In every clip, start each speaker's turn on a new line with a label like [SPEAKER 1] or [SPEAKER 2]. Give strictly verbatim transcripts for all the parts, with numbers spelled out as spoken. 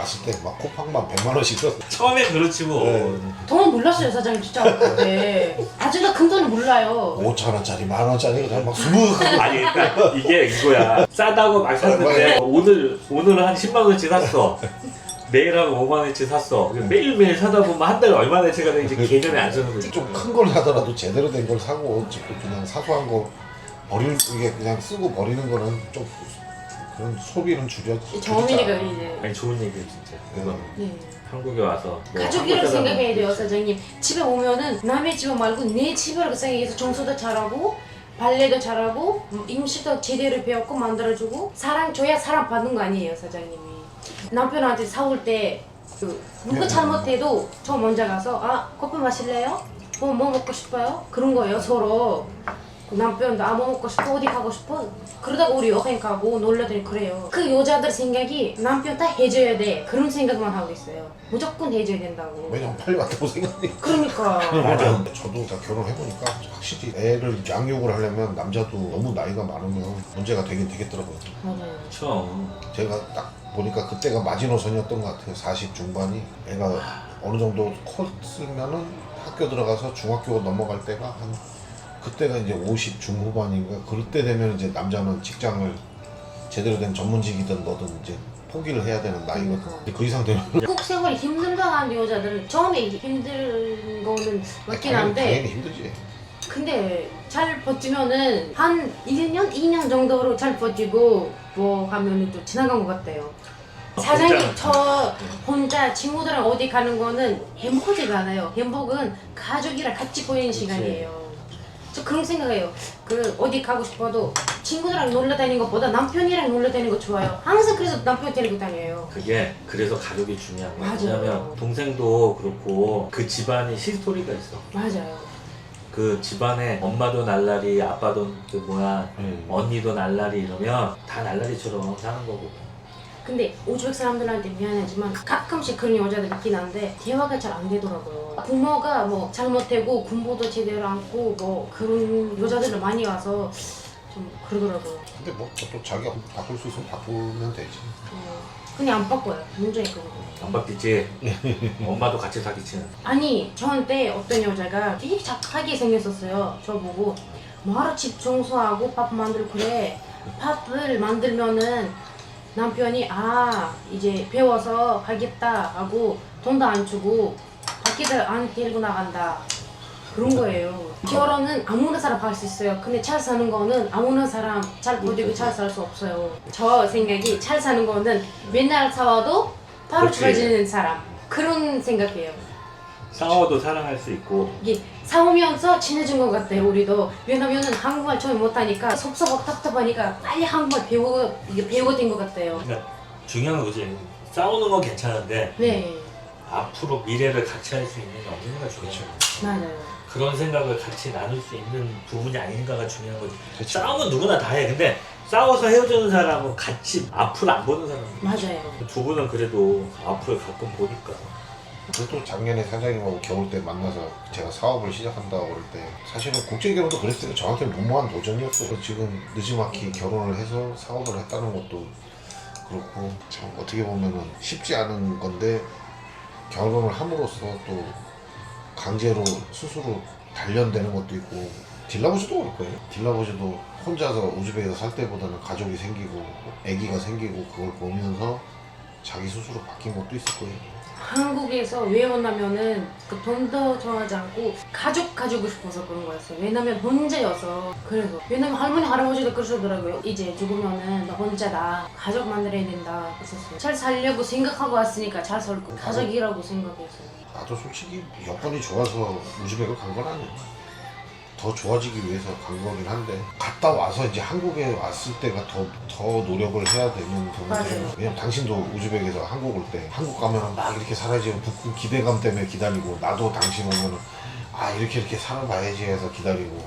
[SPEAKER 1] 왔을 때 막 쿠팡만 백만 원씩 썼어.
[SPEAKER 2] 처음엔 그렇지 뭐.
[SPEAKER 1] 네.
[SPEAKER 3] 돈은 몰랐어요 사장님 진짜 그때. 아직도 큰 돈은 몰라요.
[SPEAKER 1] 오천 원짜리 만 원짜리 그냥 막 수북하고.
[SPEAKER 2] 아니 그러니까 이게 이거야. 싸다고 막 샀는데 오늘 오늘은 한 십만 원치 샀어. 내일 하고 오만 원치 샀어. 매일매일 사다 보면 한 달에 얼마나치가 되는지 개념이 안 서는 거지.
[SPEAKER 1] 좀 큰 걸 사더라도 제대로 된 걸 사고 그냥 사소한 거 버리는 이게 그냥 쓰고 버리는 거는 좀 그런 소비는 줄여.
[SPEAKER 3] 정민이가
[SPEAKER 1] 줄이자.
[SPEAKER 3] 이제
[SPEAKER 2] 아니 좋은 얘기예요 진짜. 그거
[SPEAKER 3] 네.
[SPEAKER 2] 한국에 와서 뭐
[SPEAKER 3] 가족이라고
[SPEAKER 2] 한국
[SPEAKER 3] 생각해야 돼요
[SPEAKER 2] 사람은
[SPEAKER 3] 사장님. 집에 오면은 남의 집 말고 내 집이라고 생각해서 청소도 잘하고 발레도 잘하고 음식도 제대로 배웠고 만들어주고 사랑 줘야 사랑 받는 거 아니에요 사장님이. 남편한테 사올 때 그, 누가 잘못해도 저 먼저 가서 아 커피 마실래요? 뭐, 뭐 먹고 싶어요? 그런 거예요 서로. 그 남편도 아 뭐 먹고 싶어? 어디 가고 싶어? 그러다가 우리 여행 가고 놀러 다니고 그래요. 그 여자들 생각이 남편 다 해줘야 돼 그런 생각만 하고 있어요. 무조건 해줘야 된다고.
[SPEAKER 1] 왜냐면 빨리 왔다고 생각해.
[SPEAKER 3] 그러니까
[SPEAKER 1] 맞아. 저도 다 결혼해보니까 확실히 애를 양육을 하려면 남자도 너무 나이가 많으면 문제가 되긴 되겠더라고요.
[SPEAKER 3] 맞아요.
[SPEAKER 2] 그렇죠.
[SPEAKER 1] 제가 딱 보니까 그때가 마지노선이었던 것 같아요. 사십 중반이 애가 어느 정도 컸으면은 학교 들어가서 중학교 넘어갈 때가 한 그때가 이제 오십 중후반인가 그럴 때 되면 이제 남자는 직장을 제대로 된 전문직이든 뭐든 이제 포기를 해야 되는 나이거든. 근데 그 이상 되면
[SPEAKER 3] 한국 생활이 힘들다고 하는 여자들은 처음에 힘든 거는 맞긴
[SPEAKER 1] 당연히,
[SPEAKER 3] 한데
[SPEAKER 1] 당연히 힘들지.
[SPEAKER 3] 근데 잘 버티면은 한 일 년, 이 년 정도로 잘 버티고 뭐 하면은 또 지나간 것 같아요. 사장님
[SPEAKER 2] 혼자.
[SPEAKER 3] 저 혼자 친구들이랑 어디 가는 거는 행복하지가 않아요. 행복은 가족이랑 같이 보내는 시간이에요. 저 그런 생각해요. 그 어디 가고 싶어도 친구들이랑 놀러 다니는 것보다 남편이랑 놀러 다니는 거 좋아요. 항상 그래서 남편 데리고 다녀요.
[SPEAKER 2] 그게 그래서 가족이 중요한 거야.
[SPEAKER 3] 맞아요.
[SPEAKER 2] 왜냐면 동생도 그렇고 그 집안이 히스토리가 있어.
[SPEAKER 3] 맞아요.
[SPEAKER 2] 그 집안에 엄마도 날라리, 아빠도 그 뭐야,
[SPEAKER 1] 음.
[SPEAKER 2] 언니도 날라리 이러면 다 날라리처럼 사는 거고.
[SPEAKER 3] 근데 우즈벡 사람들한테 미안하지만 가끔씩 그런 여자들 있긴 한데 대화가 잘 안 되더라고요. 부모가 뭐 잘못되고 군보도 제대로 안고 뭐 그런 여자들을 많이 와서 좀 그러더라고요.
[SPEAKER 1] 근데 뭐 또 자기가 바꿀 수 있으면 바꾸면 되지.
[SPEAKER 3] 어, 근데 안 바꿔요. 문제인 거.
[SPEAKER 2] 안 바뀌지? 엄마도 같이 사기치는.
[SPEAKER 3] 아니 저한테 어떤 여자가 되게 착하게 생겼었어요. 저보고 뭐하러 집 청소하고 밥 만들고 그래. 밥을 만들면은 남편이 아 이제 배워서 하겠다 하고 돈도 안 주고 밖에도 안 데리고 나간다 그런 거예요. 결혼은 아무나 사람 할 수 있어요. 근데 잘 사는 거는 아무나 사람 잘 버티고 잘 살 수 없어요. 저 생각이 잘 사는 거는 맨날 싸워도 바로
[SPEAKER 2] 그치.
[SPEAKER 3] 좋아지는 사람 그런 생각이에요.
[SPEAKER 2] 싸워도 사랑할 수 있고.
[SPEAKER 3] 이게 싸우면서 친해진 것 같아요 우리도. 왜냐면은 한국말 처음 못하니까 섭섭하고 답답하니까 빨리 한국말 배우고 이게 배우고 된 것 같아요.
[SPEAKER 2] 그러니까 중요한 건 그지. 싸우는 건 괜찮은데
[SPEAKER 3] 네
[SPEAKER 2] 앞으로 미래를 같이 할 수 있는 게 없는가 중요해요.
[SPEAKER 3] 맞아요.
[SPEAKER 2] 그런 생각을 같이 나눌 수 있는 부분이 아닌가가 중요한 거지.
[SPEAKER 1] 그쵸.
[SPEAKER 2] 싸움은 누구나 다 해. 근데 싸워서 헤어지는 사람은 같이 앞을 안 보는 사람.
[SPEAKER 3] 맞아요.
[SPEAKER 2] 두 분은 그래도 앞을 가끔 보니까.
[SPEAKER 1] 그래도 작년에 사장님하고 겨울 때 만나서 제가 사업을 시작한다고 그럴 때 사실은 국제결혼도 그랬어요. 저한테는 무모한 도전이었어요. 지금 느지막이 결혼을 해서 사업을 했다는 것도 그렇고 참 어떻게 보면은 쉽지 않은 건데 결혼을 함으로써 또 강제로 스스로 단련되는 것도 있고 딜라버즈도 그럴 거예요. 딜라버즈도 혼자서 우즈벡에서 살 때보다는 가족이 생기고 아기가 생기고 그걸 보면서 자기 스스로 바뀐 것도 있을 거예요.
[SPEAKER 3] 한국에서 왜 왔냐면은 그 돈도 좋아하지 않고 가족 가지고 싶어서 그런 거였어요. 왜냐면 혼자여서. 그래서 왜냐면 할머니 할아버지도 그러시더라고요. 이제 죽으면은 너 혼자다. 가족 만들어야 된다. 그랬었어요. 잘 살려고 생각하고 왔으니까 잘 살고 가족이라고 생각했어요.
[SPEAKER 1] 나도 솔직히 여건이 좋아서 우즈벡을 간 건 아니야. 더 좋아지기 위해서 간 거긴 한데 갔다 와서 이제 한국에 왔을 때가 더, 더 노력을 해야 되는 부분이에요.
[SPEAKER 3] 맞아요.
[SPEAKER 1] 왜냐면 당신도 우즈벡에서 한국 올 때 한국 가면 막 이렇게 살아야지 그 기대감 때문에 기다리고 나도 당신 오면은 아 이렇게 이렇게 살아봐야지 해서 기다리고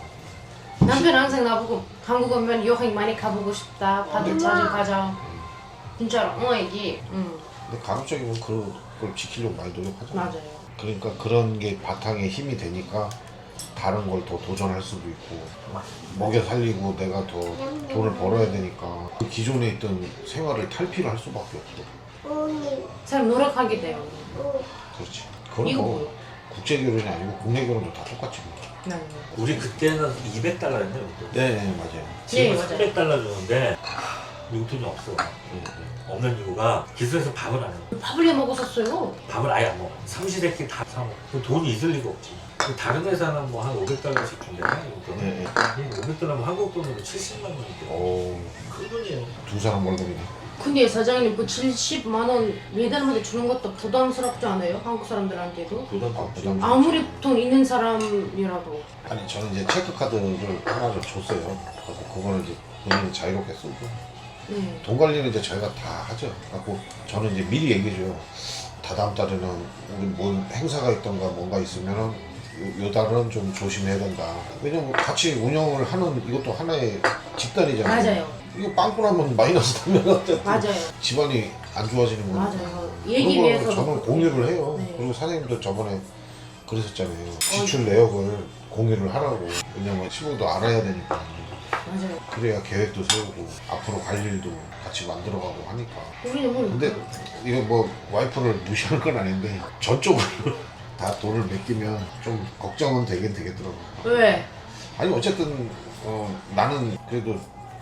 [SPEAKER 3] 남편 항상 나보고 한국 오면 여행 많이 가보고 싶다. 다들 자주 가자. 진짜로. 어 이게. 응.
[SPEAKER 1] 근데 가급적이면 그걸 지키려고 많이 노력하잖아.
[SPEAKER 3] 맞아요.
[SPEAKER 1] 그러니까 그런 게 바탕에 힘이 되니까 다른 걸 더 도전할 수도 있고 먹여 살리고 내가 더 돈을 벌어야 되니까 그 기존에 있던 생활을 탈피를 할 수밖에 없어.
[SPEAKER 3] 사람 노력하게 돼요.
[SPEAKER 1] 그렇지. 그건
[SPEAKER 3] 이거
[SPEAKER 1] 뭐
[SPEAKER 3] 뭐요?
[SPEAKER 1] 국제 결혼이 아니고 국내 결혼도 다 똑같지 뭐.
[SPEAKER 3] 네.
[SPEAKER 2] 우리 그때는 이백 달러였네요.
[SPEAKER 1] 네, 네 맞아요.
[SPEAKER 2] 지금
[SPEAKER 3] 네, 맞아요.
[SPEAKER 2] 삼백 달러 주는데 미국 돈이 없어.
[SPEAKER 1] 네, 네.
[SPEAKER 2] 없는 이유가 기술에서 밥을 안 해.
[SPEAKER 3] 밥을 해 먹었었어요.
[SPEAKER 2] 밥을 아예 안 먹어. 삼시세끼 다 사 먹어. 그 돈이 있을 리가 없지. 그 다른 회사는 뭐 한 오백 달러씩 준대요. 이거
[SPEAKER 1] 네, 네.
[SPEAKER 2] 오백 달러면 한국 돈으로 칠십만 원인데.
[SPEAKER 1] 오,
[SPEAKER 2] 큰 돈이에요.
[SPEAKER 1] 두 사람 월급이네.
[SPEAKER 3] 근데 사장님 그 칠십만 원 매달마다 주는 것도 부담스럽지 않아요? 한국 사람들한테도?
[SPEAKER 2] 부담
[SPEAKER 1] 아,
[SPEAKER 2] 없지.
[SPEAKER 1] 부담.
[SPEAKER 3] 아무리 돈 있는 사람이라도.
[SPEAKER 1] 아니 저는 이제 체크카드를 하나를 줬어요. 그래서 그거는 이제 본인이 자유롭게 쓰고
[SPEAKER 3] 네.
[SPEAKER 1] 돈 관리는 이제 저희가 다 하죠. 그래고 저는 이제 미리 얘기해줘요. 다다음 달에는 우리 뭔 행사가 있던가 뭔가 있으면은 요, 요 달은 좀 조심해야 된다. 왜냐면 같이 운영을 하는 이것도 하나의 집단이잖아요.
[SPEAKER 3] 맞아요.
[SPEAKER 1] 이거 빵꾸 나면 마이너스 나면 어쨌든
[SPEAKER 3] 맞아요.
[SPEAKER 1] 집안이 안 좋아지는 거니까.
[SPEAKER 3] 맞아요. 얘기
[SPEAKER 1] 그런
[SPEAKER 3] 위해서.
[SPEAKER 1] 거는 저는 공유를 해요.
[SPEAKER 3] 네.
[SPEAKER 1] 그리고 사장님도 저번에 그러셨잖아요. 지출 내역을 공유를 하라고. 왜냐면 시부도 알아야 되니까.
[SPEAKER 3] 맞아요.
[SPEAKER 1] 그래야 계획도 세우고 앞으로 갈 일도 같이 만들어가고 하니까.
[SPEAKER 3] 우리는 뭐
[SPEAKER 1] 근데 이거 뭐 와이프를 무시하는 건 아닌데 저쪽으로 다 돈을 맡기면 좀 걱정은 되긴 되겠더라고요.
[SPEAKER 3] 왜?
[SPEAKER 1] 아니 어쨌든 어, 나는 그래도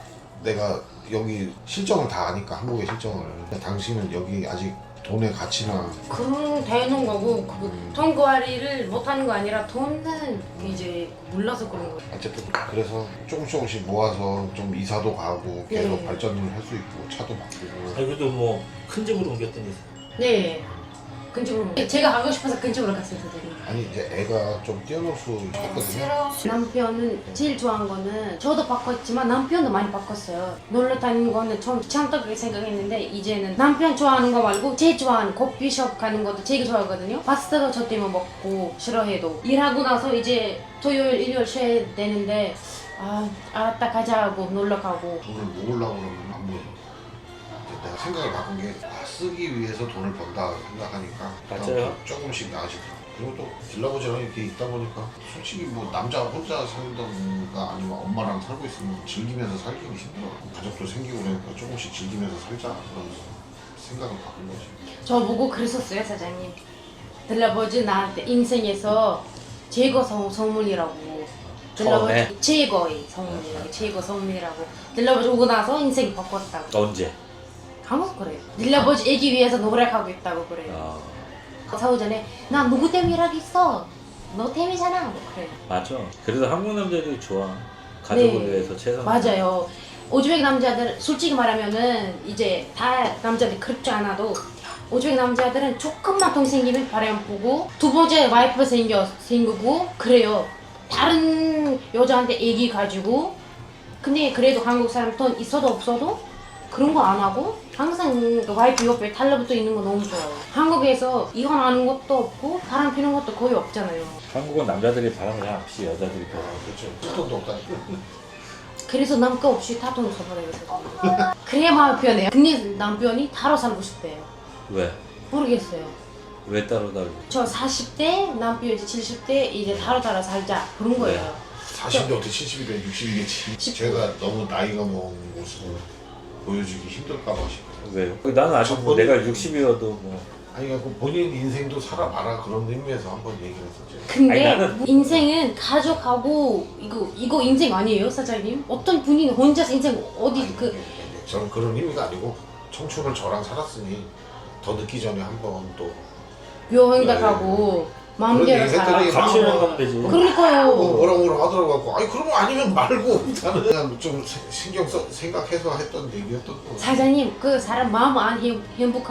[SPEAKER 1] 내가 여기 실정을 다 아니까 한국의 실정을. 당신은 여기 아직 돈의 가치나
[SPEAKER 3] 그런 되는 거고 그
[SPEAKER 1] 음.
[SPEAKER 3] 돈 관리를 못하는 거 아니라 돈은 이제 몰라서 그런 거예요.
[SPEAKER 1] 어쨌든 그래서 조금 조금씩 모아서 좀 이사도 가고 계속
[SPEAKER 3] 네.
[SPEAKER 1] 발전을 할 수 있고 차도 바꾸고.
[SPEAKER 2] 아니 그래도 뭐 큰 집으로 옮겼더니
[SPEAKER 3] 네. 근집으로. 제가 가고 싶어서 근집으로 갔어요, 선생님.
[SPEAKER 1] 아니 이제 애가 좀 뛰어놀 수 있거든요.
[SPEAKER 3] 남편은 제일 좋아한 거는 저도 바꿨지만 남편도 많이 바꿨어요. 놀러 다니는 거는 좀 귀찮다 그렇게 생각했는데 이제는 남편 좋아하는 거 말고 제일 좋아하는 커피숍 가는 것도 되게 좋아하거든요. 파스타도 저 때문에 먹고 싫어해도 일하고 나서 이제 토요일 일요일 쉬어야 되는데 아 알았다 가자 하고 놀러 가고.
[SPEAKER 1] 돈을 모으려고 그러면 안 모여. 이제 내가 생각을 바꾼 게 아, 쓰기 위해서 돈을 번다 생각하니까
[SPEAKER 2] 맞아요.
[SPEAKER 1] 조금씩 나아지더라고. 그리고 또 딜라버지랑 이렇게 있다 보니까 솔직히 뭐 남자 혼자 살던가 아니면 엄마랑 살고 있으면 즐기면서 살기는 힘들어. 가족도 생기고 그러니까 조금씩 즐기면서 살자 그러면서 생각을 바꾼 거지.
[SPEAKER 3] 저 보고 그랬었어요, 사장님. 들러버지 나한테 인생에서 최고 성, 선물이라고.
[SPEAKER 2] 처음에?
[SPEAKER 3] 들러버지 최고의 선물이라고. 최고 선물이라고. 들러버지 오고 나서 인생이 바꿨다고.
[SPEAKER 2] 언제?
[SPEAKER 3] 한국 그래요. 들러버지 애기 위해서 노력하고 있다고 그래요.
[SPEAKER 2] 아
[SPEAKER 3] 사후 전에 나 누구 때문에 일하겠어? 너 때문이잖아. 뭐 그래요.
[SPEAKER 2] 맞아. 그래도 한국 남자들이 좋아. 가족을
[SPEAKER 3] 네.
[SPEAKER 2] 위해서 최선.
[SPEAKER 3] 맞아요. 오즈벡 남자들 솔직히 말하면은 이제 다 남자들 그렇지 않아도 오즈벡 남자들은 조금만 돈 생기면 바람 보고 두 번째 와이프 생겨 생기고 그래요. 다른 여자한테 애기 가지고 근데 그래도 한국 사람 돈 있어도 없어도 그런 거 안 하고 항상 그 와이프 옆에 달라붙어 있는 거 너무 좋아요. 한국에서 이혼하는 것도 없고 바람 피는 것도 거의 없잖아요.
[SPEAKER 2] 한국은 남자들이 바람을 잘 없이 여자들이 더.
[SPEAKER 1] 그렇죠. 돈도 없다니까.
[SPEAKER 3] 그래서 남자 없이 다 돈 써버려요. 그래야 마음 편해요. 근데 남편이 따로 살고 싶대요.
[SPEAKER 2] 왜?
[SPEAKER 3] 모르겠어요.
[SPEAKER 2] 왜 따로 다르고?
[SPEAKER 3] 저 사십 대, 남편 이제 칠십 대 이제 따로 따로 살자 그런 거예요.
[SPEAKER 1] 사십인데 어떻게 칠십이래 육십이겠지.
[SPEAKER 3] 십-
[SPEAKER 1] 제가 너무 나이가 먹은 모습을 보여주기 힘들까 봐 싶어요.
[SPEAKER 2] 왜요? 나는 아직 뭐 내가 육십이어도 뭐.
[SPEAKER 1] 아니 그러니까 본인 인생도 살아봐라 그런 의미에서 한번 얘기를 했었죠.
[SPEAKER 3] 근데
[SPEAKER 2] 아니, 나는-
[SPEAKER 3] 인생은 가족하고 이거 이거 인생 아니에요, 사장님? 어떤 분이 혼자서 인생 어디 그
[SPEAKER 1] 저는 그런 의미가 아니고 청춘을 저랑 살았으니 더 늦기 전에 한번 또
[SPEAKER 3] 여행도
[SPEAKER 1] 네.
[SPEAKER 3] 가고 마음대로
[SPEAKER 1] 그런
[SPEAKER 3] 살아.
[SPEAKER 1] 얘기
[SPEAKER 2] 같이
[SPEAKER 1] 마음은-
[SPEAKER 2] 여행 가면 되지.
[SPEAKER 1] 뭐
[SPEAKER 3] 그러니까요.
[SPEAKER 1] 뭐라 뭐라 하더라고. 아니 그러면 아니면 말고 나는 그냥 좀 세- 신경 써 생각해서 했던 얘기였던 거.
[SPEAKER 3] 사장님 그 사람 마음 안 행-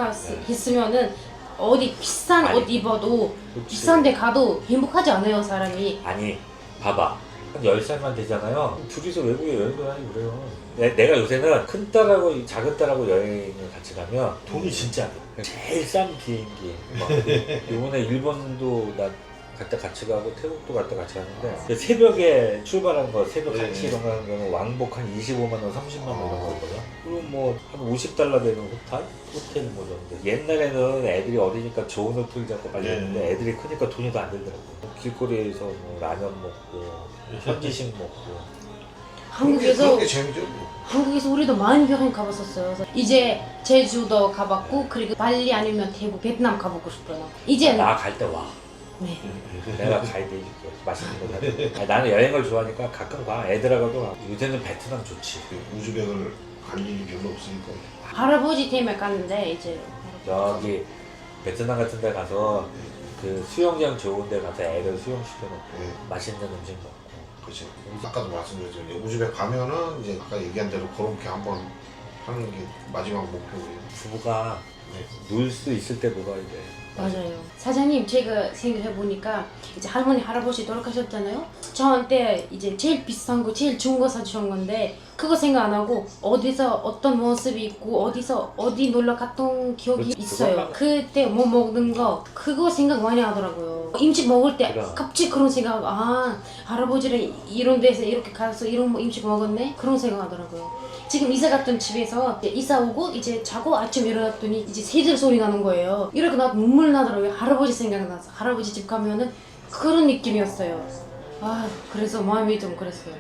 [SPEAKER 3] 행복했으면은 어디 비싼
[SPEAKER 2] 아니,
[SPEAKER 3] 옷 입어도
[SPEAKER 2] 그치.
[SPEAKER 3] 비싼 데 가도 행복하지 않아요, 사람이.
[SPEAKER 2] 아니 봐봐 한 열 살만 되잖아요. 둘이서 외국에 여행도 다니고 그래요. 내, 내가 요새는 큰 딸하고 작은 딸하고 여행을 같이 가면 돈이 진짜 안 돼. 제일 싼 비행기 막 이번에 일본도 나 갈때 같이 가고 태국도 갈 때 같이 갔는데 새벽에 출발한 거 새벽
[SPEAKER 1] 네.
[SPEAKER 2] 한 시 이런 거 하는 거는 왕복 한 이십오만 원 삼십만 원 이런 거거든. 그리고 뭐 한 오십 달러 되는 호텔? 호텔 뭐 정도. 옛날에는 애들이 어리니까 좋은 호텔 잡고 빨리
[SPEAKER 1] 네.
[SPEAKER 2] 했는데 애들이 크니까 돈이 더 안 들더라고. 길거리에서 뭐 라면 먹고 현지식 먹고.
[SPEAKER 3] 한국에서
[SPEAKER 1] 그런 게 재미죠. 뭐.
[SPEAKER 3] 한국에서 우리도 많이 여행 가봤었어요. 그래서 이제 제주도 가봤고 그리고 발리 아니면 대구, 베트남 가보고 싶어요. 이제
[SPEAKER 2] 나 갈 때 와.
[SPEAKER 3] 네.
[SPEAKER 2] 내가 가이드 해줄게. 맛있는 거 사줄게. 아니, 나는 여행을 좋아하니까 가끔 가. 애들하고도 가. 요새는 베트남 좋지.
[SPEAKER 1] 우즈벡을 갈 일이 별로 없으니까.
[SPEAKER 3] 할아버지 때문에 갔는데 이제
[SPEAKER 2] 저기 베트남 같은 데 가서 그 수영장 좋은 데 가서 애들 수영시켜놓고
[SPEAKER 1] 네.
[SPEAKER 2] 맛있는 음식 먹고.
[SPEAKER 1] 그렇지. 아까도 말씀드렸지만 우즈벡 가면은 이제 아까 얘기한 대로 그렇게 한번 하는 게 마지막 목표고요.
[SPEAKER 2] 부부가
[SPEAKER 1] 네.
[SPEAKER 2] 놀 수 있을 때 놀아야 돼.
[SPEAKER 3] 맞아요. 사장님 제가 생각해 보니까 이제 할머니 할아버지 돌아가셨잖아요. 저한테 이제 제일 비싼 거 제일 좋은 거 사주신 건데 그거 생각 안 하고 어디서 어떤 모습이 있고 어디서 어디 놀러 갔던 기억이
[SPEAKER 2] 그렇지,
[SPEAKER 3] 있어요.
[SPEAKER 2] 그것만-
[SPEAKER 3] 그때 뭐 먹는 거 그거 생각 많이 하더라고요. 음식 먹을 때
[SPEAKER 2] 그럼.
[SPEAKER 3] 갑자기 그런 생각 아 할아버지랑 이런 데서 이렇게 가서 이런 음식 먹었네 그런 생각 하더라고요. 지금 이사 갔던 집에서 이제 이사 오고 이제 자고 아침 일어났더니 이제 새들 소리 나는 거예요. 이렇게 나 눈물 나더라고요. 할아버지 생각나서 할아버지 집 가면은 그런 느낌이었어요. 아 그래서 마음이 좀 그랬어요.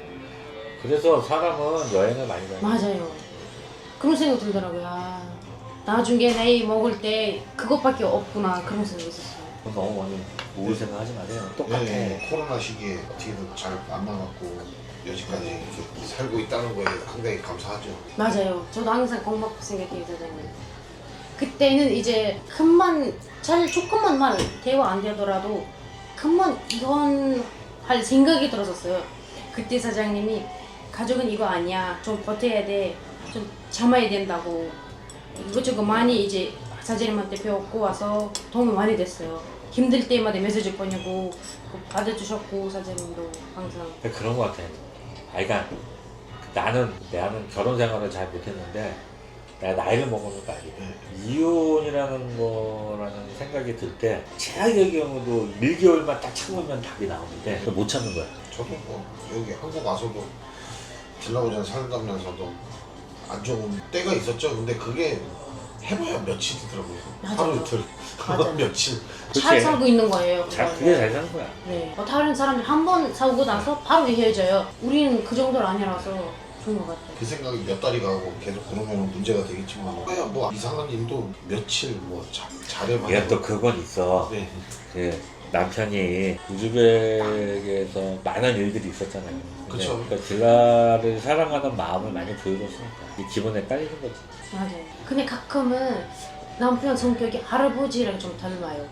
[SPEAKER 2] 그래서 사람은 여행을 많이 가요.
[SPEAKER 3] 맞아요. 그런 생각 들더라고요. 아, 나중에 나이 먹을 때 그것밖에 없구나 그런 생각 있었어요.
[SPEAKER 2] 그건 너무 많이 우울 생각하지 마세요. 똑같아.
[SPEAKER 1] 네, 코로나 시기에 어떻게든 잘 안 나갔고 여지까지 이렇게 살고 있다는 거에 상당히 감사하죠.
[SPEAKER 3] 맞아요. 저도 항상 고맙고 생각해요, 사장님. 그때는 이제 큰만 잘 조금만 말 대화 안 되더라도 큰만 이건 할 생각이 들었었어요. 그때 사장님이 가족은 이거 아니야. 좀 버텨야 돼. 좀 참아야 된다고. 이것저것 많이 이제 사장님한테 배웠고 와서 도움이 많이 됐어요. 힘들 때마다 메시지 보내고 받아주셨고 사장님도 항상.
[SPEAKER 2] 그런 거 같아. 아, 그러니까 나는 나는 결혼 생활을 잘 못했는데 내가 나이를 먹으니까 알게 돼. 이혼이라는 거라는 생각이 들 때 최악의 경우도 일 개월만 딱 참으면 답이 나오는데 못 참는 거야.
[SPEAKER 1] 저도 뭐 여기 한국 와서도 딜라오전 살다면서도 안 좋은 때가 있었죠. 근데 그게 해봐야 며칠이더라고요.
[SPEAKER 3] 맞아요.
[SPEAKER 1] 하루 이틀,
[SPEAKER 3] 맞아요.
[SPEAKER 1] 며칠.
[SPEAKER 3] 잘
[SPEAKER 2] 그치?
[SPEAKER 3] 살고 있는 거예요.
[SPEAKER 2] 잘
[SPEAKER 3] 그거는.
[SPEAKER 2] 그게 잘 사는 거야.
[SPEAKER 3] 네. 어, 다른 사람들 한 번 사고 나서 바로 헤어져요. 우리는 그 정도는 아니라서 좋은 것 같아요.
[SPEAKER 1] 그 생각이 몇 달이 가고 계속 그러면 문제가 되겠지만 그야 뭐 이상한 일도 며칠 뭐 자, 잘해봐야
[SPEAKER 2] 얘가 또 그건 있어.
[SPEAKER 1] 네.
[SPEAKER 2] 그 남편이 우즈벡에서 많은 일들이 있었잖아요. 근데
[SPEAKER 1] 그쵸.
[SPEAKER 2] 그러니까 딜라를 사랑하는 마음을 많이 보여줬으니까 이 기분에 깔리는 거지.
[SPEAKER 3] 맞아요. 근데 가끔은 남편 성격이 할아버지랑 좀 닮아요.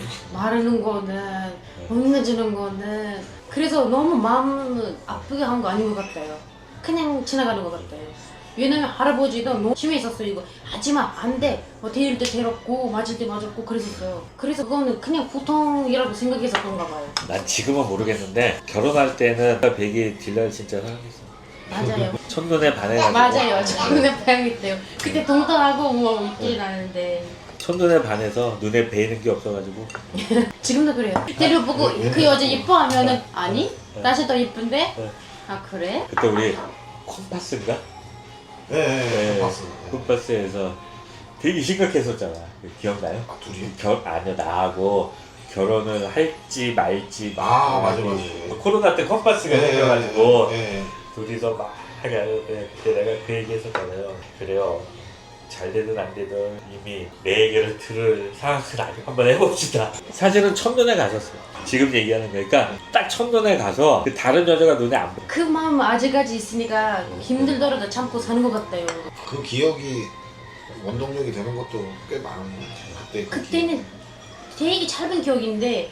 [SPEAKER 3] 말하는 거는 혼내주는 거는 그래서 너무 마음 아프게 한 거 아닌 것 같아요. 그냥 지나가는 것 같아요. 왜냐면 할아버지도 너무 심했었어요. 이거 하지마 안돼 뭐 데릴 때 데렸고 맞을 때 맞았고 그랬었어요. 그래서 그거는 그냥 보통이라고 생각해서 그런가 봐요.
[SPEAKER 2] 난 지금은 모르겠는데 결혼할 때는 백이 딜라를 진짜 사랑했어.
[SPEAKER 3] 맞아요.
[SPEAKER 2] 첫눈에 반해가지고.
[SPEAKER 3] 맞아요. 저는 배우기 때요. 그때 동떨하고 뭐 웃긴 하는데
[SPEAKER 2] 첫눈에 반해서 눈에 베이는 게 없어가지고.
[SPEAKER 3] 지금도 그래요. 데려보고 그 여자 이뻐하면은 아니 다시 더 이쁜데
[SPEAKER 2] 네.
[SPEAKER 3] 아 그래?
[SPEAKER 2] 그때 우리 콤파스인가?
[SPEAKER 1] 네, 네,
[SPEAKER 2] 네.
[SPEAKER 1] 네. 봤습니다.
[SPEAKER 2] 콤파스에서 되게 심각했었잖아. 기억나요?
[SPEAKER 1] 아 둘이?
[SPEAKER 2] 결 아니요 나하고 결혼을 할지 말지.
[SPEAKER 1] 아 맞아
[SPEAKER 2] 막
[SPEAKER 1] 맞아.
[SPEAKER 2] 코로나 때 컴파스가 생겨가지고
[SPEAKER 1] 네.
[SPEAKER 2] 둘이서 막 하게 그때 내가 그 얘기 했었잖아요. 그래요. 잘 되든 안 되든 이미 내 얘기를 들을 상황은 아니고 한번 해봅시다. 사실은 첫눈에 가셨어요. 지금 얘기하는 거니까 딱 첫눈에 가서 그 다른 여자가 눈에 안 보여.
[SPEAKER 3] 그 마음 아직까지 있으니까 힘들더라도 참고 사는 것 같아요.
[SPEAKER 1] 그 기억이 원동력이 되는 것도 꽤 많은 것 같아요. 그때 그
[SPEAKER 3] 그때는 되게 짧은 기억인데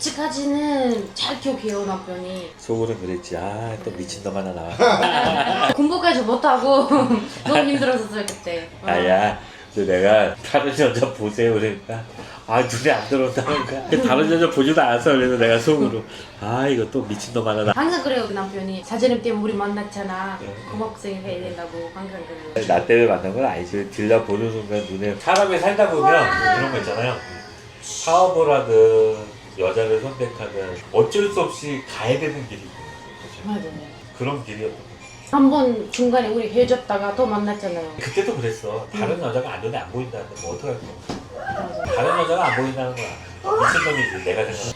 [SPEAKER 3] 아직까지는 잘 기억해요 남편이.
[SPEAKER 2] 속으로 그랬지. 아 또 미친놈 하나 나와.
[SPEAKER 3] 공부까지 못하고 너무 힘들었었어요 그때.
[SPEAKER 2] 아야, 근데 내가 다른 여자 보세요 그러니까 아 눈에 안 들어온다는 거야. 근데 다른 여자 보지도 않았어. 그래서 내가 속으로 아 이거 또 미친놈 하나 나.
[SPEAKER 3] 항상 그래요 그 남편이. 사장님 때문에 우리 만났잖아.
[SPEAKER 2] 네.
[SPEAKER 3] 고맙고 생각해야 된다고 항상 그래요.
[SPEAKER 2] 나 때문에 만난 건 아니지. 딜라 보는 순간 눈에 사람이 살다 보면 그런 거 있잖아요. 사업을 하든 여자를 선택하든 어쩔 수 없이 가야 되는 길이 있거든요.
[SPEAKER 3] 맞아요.
[SPEAKER 2] 그런 길이었던 거죠.
[SPEAKER 3] 한 번 중간에 우리 헤어졌다가 또 만났잖아요.
[SPEAKER 2] 그때도 그랬어. 다른 여자가 안 눈에 안 보인다는데 뭐 어떡할 거야.
[SPEAKER 3] 맞아요.
[SPEAKER 2] 다른 여자가 안 보인다는 거야. 미친놈이지 내가 생각하는